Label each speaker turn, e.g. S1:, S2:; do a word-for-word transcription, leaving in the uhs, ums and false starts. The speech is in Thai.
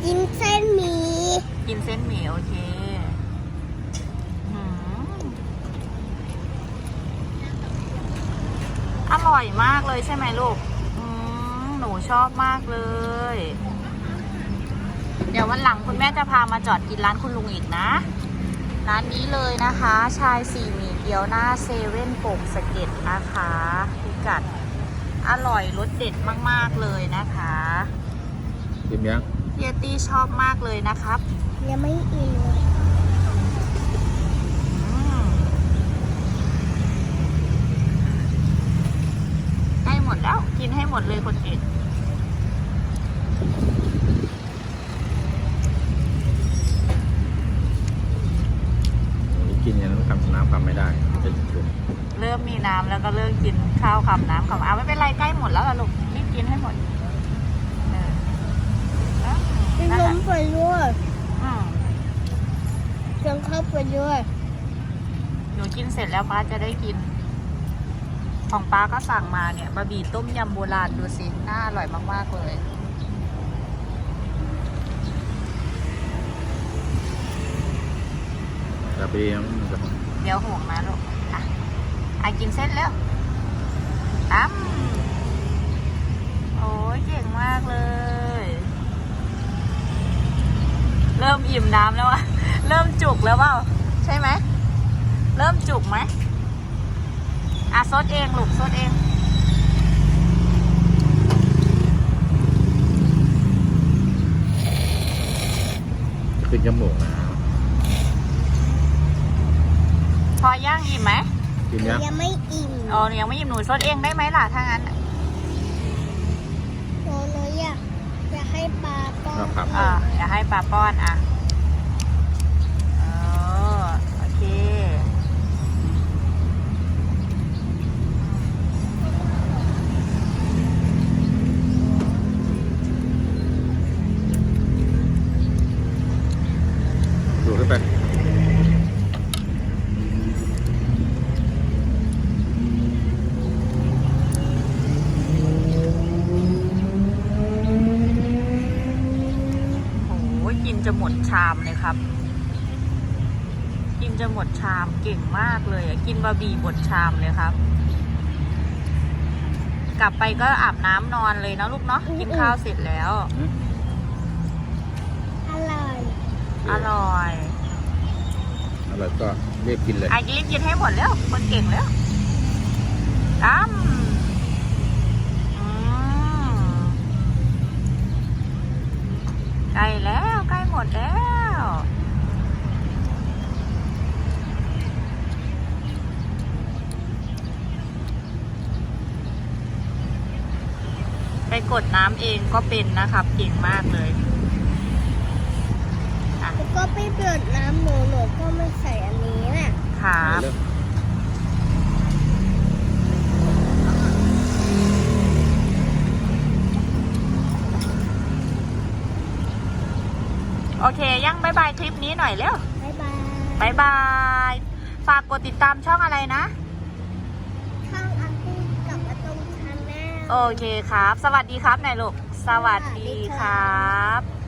S1: กินเส้นหมี่
S2: กินเส้นหมี่โอเคอร่อยมากเลยใช่ไหมลูกหนูชอบมากเลยเดี๋ยววันหลังคุณแม่จะพามาจอดกินร้านคุณลุงอีกนะร้านนี้เลยนะคะชายสี่หมี่เกี๊ยวหน้าเซเว่นโป่งสะเก็ดนะคะพิกัดอร่อยรสเด็ดมากๆเลยนะคะ
S3: กินยัง
S2: เฮียตี้ชอบมากเลยนะครับ
S1: ยังไม่อิ่มเลย
S2: ใกล้หมดแล้วกินให้หมดเลยคนเก่ง
S3: กินอย่างนั้นคำน้ำคำไม่ได้
S2: เริ่มมีน้ำแล้วก็เริ่มกินข้าวคำน้ำคำเอาไม่เป็นไรใกล้หมดแล้วล่ะลูกรีบกินให้หมด
S1: กินนมไปด้วยเติมข้าวไปด้วย
S2: หนูกินเสร็จแล้วป้าจะได้กินของป้าก็สั่งมาเนี่ยบะหมี่ต้มยำโบราณดูสิน่าอร่อยมากๆเลย
S3: จะไป
S2: เดี๋ยวห่วงนะลูกอ่ะไอกินเส้นแล้วตั้มโอ้ยเก่งมากเลยเริ่มอิ่มน้ำแล้วอะเริ่มจุกแล้วเปล่าใช่ไหมเริ่มจุกไหมอ่ะซดเองลูกซดเอง
S3: ขึ้นจมูกนะ
S2: พอย่างอิ่มไหม
S3: กินยัง
S1: ยังไม่อิ่ม
S2: อ๋อยังไม่อิ่มหนูซดเองได้ไหมล่ะถ้างั้น
S1: หนูหนูอยากอยากให้ปลาป้อน
S2: อ่าอยากให้ปลาป้อนอ่ะอ๋อโอเค
S3: ดูขึ้นไป
S2: กินจะหมดชามเลยครับกินจะหมดชามเก่งมากเลยกินบะหมี่หมดชามเลยครับกลับไปก็อาบน้ำนอนเลยนะลูกเนาะกินข้าวเสร็จแล้ว
S1: อร่อย
S2: อร่อย
S3: อร่อยก็รีบกินเลย
S2: ไอ้รีบกินให้หมดแล้วคนเก่งแล้วตั้มใกล้แล้วใกล้หมดแล้วไปกดน้ำเองก็เป็นนะครับเก่งมากเลย
S1: แล้วก็ไปเปิดน้ำหนูหนูก็ไม่ใส่อันนี้น่ะ
S2: ครับโอเคยังบายบายคลิปนี้หน่อยเร็ว
S1: บายบาย
S2: บายบายฝากกดติดตามช่องอะไรนะ
S1: ช่องอาตุ้มกับอาตุ้มชาแนล
S2: โอเคครับสวัสดีครับนายลูกสวัสดีครับ